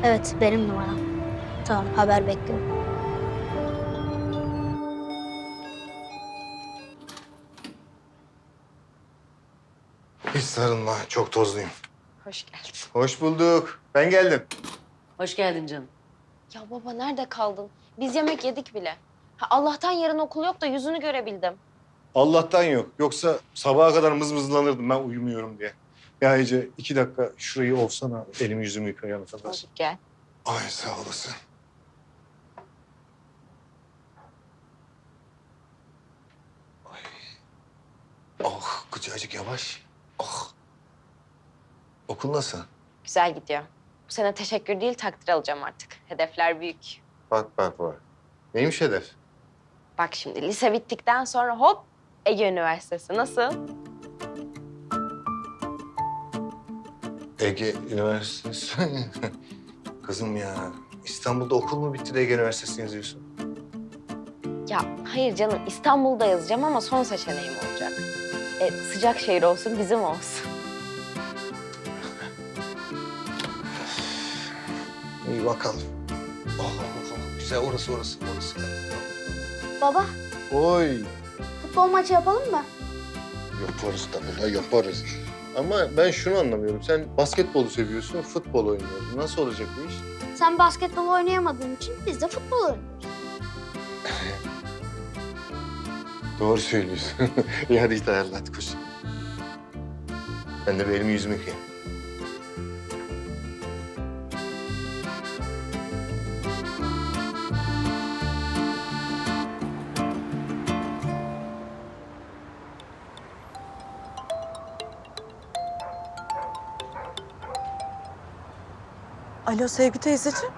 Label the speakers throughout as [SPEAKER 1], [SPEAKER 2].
[SPEAKER 1] Evet, benim numaram. Tamam, haber bekliyorum.
[SPEAKER 2] Hiç sarılma, çok tozluyum.
[SPEAKER 3] Hoş geldin.
[SPEAKER 2] Hoş bulduk. Ben geldim.
[SPEAKER 3] Hoş geldin canım.
[SPEAKER 4] Ya baba nerede kaldın? Biz yemek yedik bile. Ha, Allah'tan yarın okul yok da yüzünü görebildim.
[SPEAKER 2] Allah'tan yok. Yoksa sabaha kadar mızmızlanırdım ben uyumuyorum diye. Ya Ece 2 dakika şurayı olsana. Elimi yüzümü yıkayana kadar.
[SPEAKER 4] Hadi gel.
[SPEAKER 2] Ay sağ olasın. Ay. Oh kucacık yavaş. Oh. Okul nasıl?
[SPEAKER 4] Güzel gidiyor. Bu sene teşekkür değil takdir alacağım artık. Hedefler büyük.
[SPEAKER 2] Bak bak bak. Neymiş hedef?
[SPEAKER 4] Bak şimdi lise bittikten sonra hop Ege Üniversitesi nasıl?
[SPEAKER 2] Ege Üniversitesi. Kızım ya İstanbul'da okul mu bitti de Ege Üniversitesi'ni yazıyorsun?
[SPEAKER 4] Ya hayır canım İstanbul'da yazacağım ama son seçeneğim olacak. Sıcak şehir olsun bizim olsun.
[SPEAKER 2] İyi bakalım. Güzel orası.
[SPEAKER 1] Baba,
[SPEAKER 2] Oy.
[SPEAKER 1] futbol maçı yapalım mı?
[SPEAKER 2] Yaparız tabii la yaparız. Ama ben şunu anlamıyorum. Sen basketbolu seviyorsun, futbol oynuyorsun. Nasıl olacak bu iş?
[SPEAKER 1] Sen basketbol oynayamadığın için biz de futbol oynuyoruz.
[SPEAKER 2] Doğru söylüyorsun. İyi hadi git ayarla hadi koş. Ben de bir elimi yüzümü yıkayayım.
[SPEAKER 5] Alo Sevgi teyzeciğim.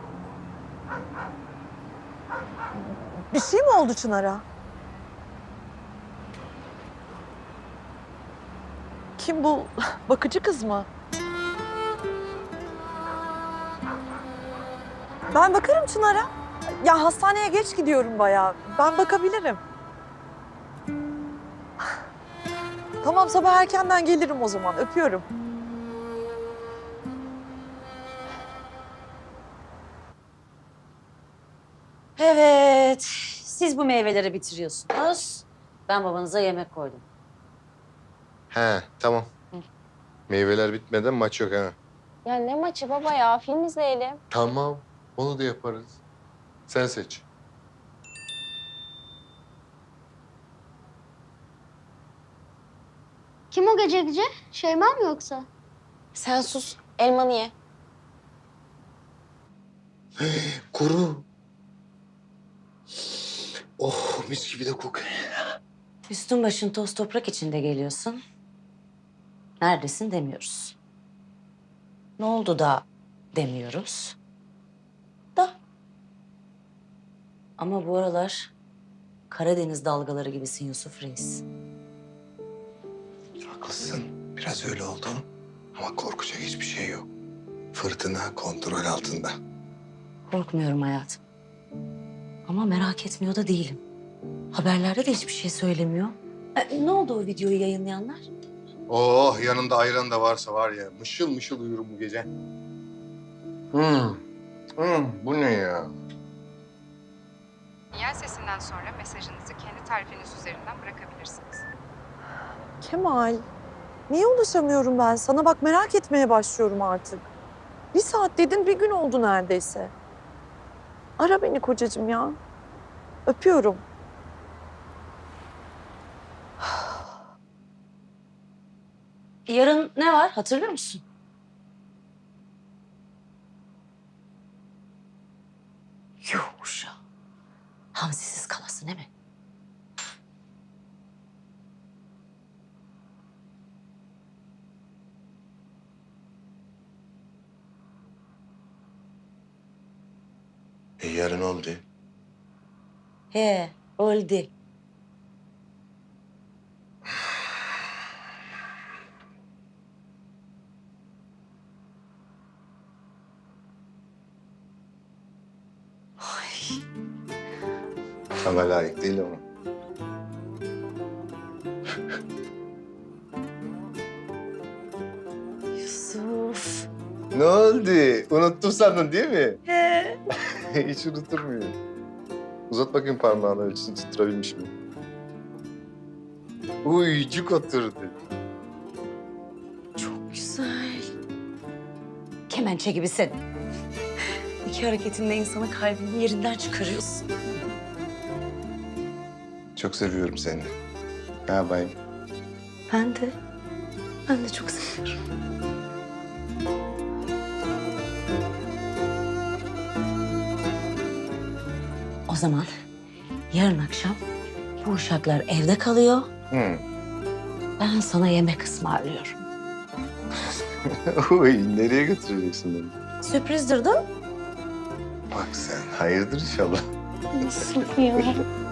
[SPEAKER 5] Bir şey mi oldu Çınar'a? Kim bu? Bakıcı kız mı? Ben bakarım Çınar'a. Ya hastaneye geç gidiyorum bayağı. Ben bakabilirim. Tamam sabah erkenden gelirim o zaman. Öpüyorum.
[SPEAKER 3] Evet, siz bu meyveleri bitiriyorsunuz. Ben babanıza yemek koydum.
[SPEAKER 2] He tamam. Meyveler bitmeden maç yok ha.
[SPEAKER 4] Ya ne maçı baba ya film izleyelim.
[SPEAKER 2] Tamam. Onu da yaparız. Sen seç.
[SPEAKER 1] Kim o gece? Şeyma mı yoksa?
[SPEAKER 4] Sen sus elmanı ye.
[SPEAKER 2] Kuru. Oh mis gibi de kokuyor.
[SPEAKER 3] Üstün başın toz toprak içinde geliyorsun. Neredesin demiyoruz. Ne oldu da demiyoruz. Da. Ama bu aralar Karadeniz dalgaları gibisin Yusuf Reis.
[SPEAKER 2] Haklısın. Biraz öyle oldu. Ama korkacak hiçbir şey yok. Fırtına kontrol altında.
[SPEAKER 3] Korkmuyorum hayatım. Ama merak etmiyor da değilim. Haberlerde de hiçbir şey söylemiyor. Ne oldu o videoyu yayınlayanlar?
[SPEAKER 2] Oh yanında ayran da varsa var ya mışıl mışıl uyurum bu gece. Bu ne ya?
[SPEAKER 6] Sinyal sesinden sonra mesajınızı kendi tarifiniz üzerinden bırakabilirsiniz.
[SPEAKER 5] Kemal, niye ulaşamıyorum ben sana? Bak merak etmeye başlıyorum artık. Bir saat dedin, bir gün oldu neredeyse. Ara beni kocacığım ya. Öpüyorum.
[SPEAKER 3] Yarın ne var hatırlıyor musun? Yuh uşağım. Hamsisiz kalasın değil mi?
[SPEAKER 2] Yarın oldu.
[SPEAKER 3] He, oldu.
[SPEAKER 2] Sana layık değil ama.
[SPEAKER 3] Yusuf.
[SPEAKER 2] Ne oldu? Unuttum sandın değil mi?
[SPEAKER 5] He.
[SPEAKER 2] Hiç unutur muyum? Uzat bakayım parmağını ölçüsünü tutturabilmiş mi? Uycuk oturdu.
[SPEAKER 3] Çok güzel. Kemençe gibisin. İki hareketinle insanın kalbini yerinden çıkarıyorsun.
[SPEAKER 2] Çok seviyorum seni. Ne yapayım?
[SPEAKER 3] Ben de. Ben de çok seviyorum. O zaman yarın akşam bu uşaklar evde kalıyor.
[SPEAKER 2] Hı.
[SPEAKER 3] Ben sana yemek ısmarlıyorum.
[SPEAKER 2] Uy, nereye götüreceksin beni?
[SPEAKER 3] Sürprizdir değil mi?
[SPEAKER 2] Bak sen, hayırdır inşallah.
[SPEAKER 3] Nasıl ya?